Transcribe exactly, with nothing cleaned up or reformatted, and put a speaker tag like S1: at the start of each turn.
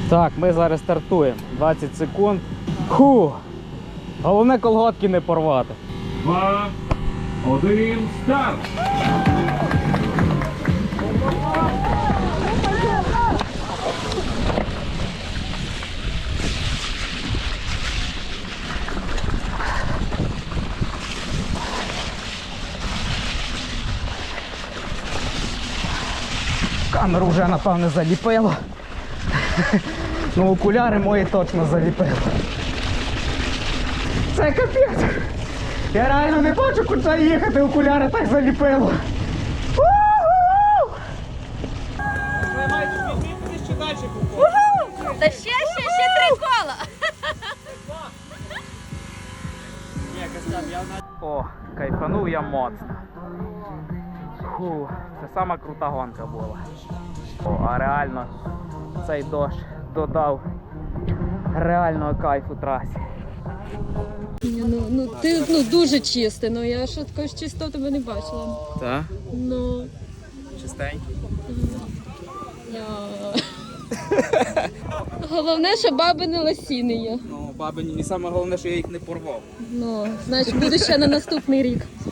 S1: Так, ми зараз стартуємо. двадцять секунд. Фу. Головне колготки не порвати.
S2: Два, один, старт!
S1: Камеру вже, напевне, заліпило. Ну, окуляри мої точно заліпило. Це капець. Я реально не бачу, куди їхати, окуляри так заліпило.
S3: Та ще, ще, ще три кола.
S1: О, кайфанув я моцно. Фу, це сама крута гонка була. О, а реально цей дощ додав реального кайфу трасі.
S4: Ну, ну ти ну дуже чистий, ну я ще такої ж чистоти тебе не бачила.
S1: Так?
S4: Ну.
S1: Чистенький.
S4: Я... Головне, що баби не лосіни є.
S1: Ну, баби, і саме головне, що я їх не порвав.
S4: Ну, значить, буде ще на наступний рік.